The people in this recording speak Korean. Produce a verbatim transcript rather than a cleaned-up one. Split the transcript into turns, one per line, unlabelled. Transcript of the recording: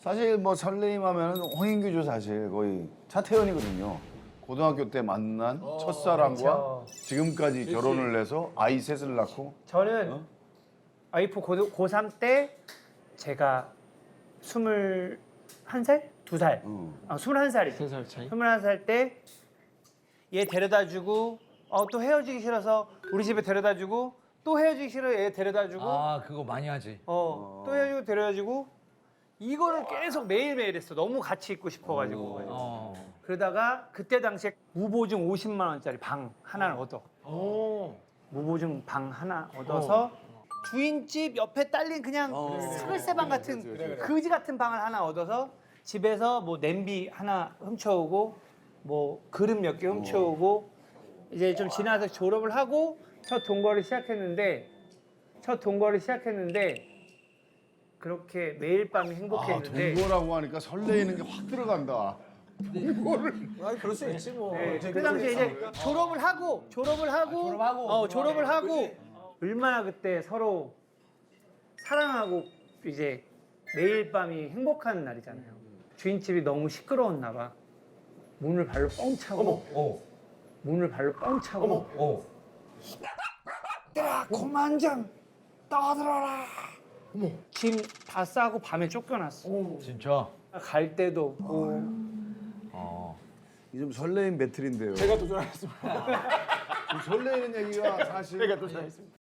사실 뭐 설레임하면 홍인규죠 사실 거의 차태현이거든요. 고등학교 때 만난 첫사랑과 지금까지 결혼을 해서 아이 셋을 낳고
저는 와이프 고, 고삼 때 제가 스물한 살? 두 살?
어.
아, 스물한 살이지.
세 살 차이?
스물한 살 때 얘 데려다주고 어, 또 헤어지기 싫어서 우리 집에 데려다주고 또 헤어지기 싫어 얘 데려다주고
아 그거 많이 하지.
어, 또 헤어지고 데려다주고 이거를 계속 매일매일 했어. 너무 같이 있고 싶어가지고.
어.
그러다가 그때 당시에 무보증 오십만 원짜리 방 하나를 얻어. 무보증 방 하나 얻어서 주인집 옆에 딸린 그냥 스글세방 같은 거지 같은 방을 하나 얻어서 집에서 뭐 냄비 하나 훔쳐오고 뭐 그릇 몇 개 훔쳐오고 이제 좀 지나서 졸업을 하고 첫 동거를 시작했는데 첫 동거를 시작했는데 그렇게 매일 밤이
아,
행복했는데
동거라고 하니까 설레이는 게 확 들어간다.
아니 그럴 수 있지 뭐.
네, 그 당시에 이제 졸업을 하고 졸업을 하고
졸업하고.
어 졸업을 하고 얼마나 그때 서로 사랑하고 이제 매일 밤이 행복한 날이잖아요. 주인집이 너무 시끄러웠나 봐. 문을 발로 뻥 차고
어.
문을 발로 뻥 차고
어.
얘들아 고만장 떠들어라. 짐 다 싸고 밤에 쫓겨났어.
진짜.
갈 데도 없고
어.
이 좀 설레임 배틀인데요.
제가 도전하겠습니다.
좀 설레이는 얘기가 사실
제가 도전하겠습니다.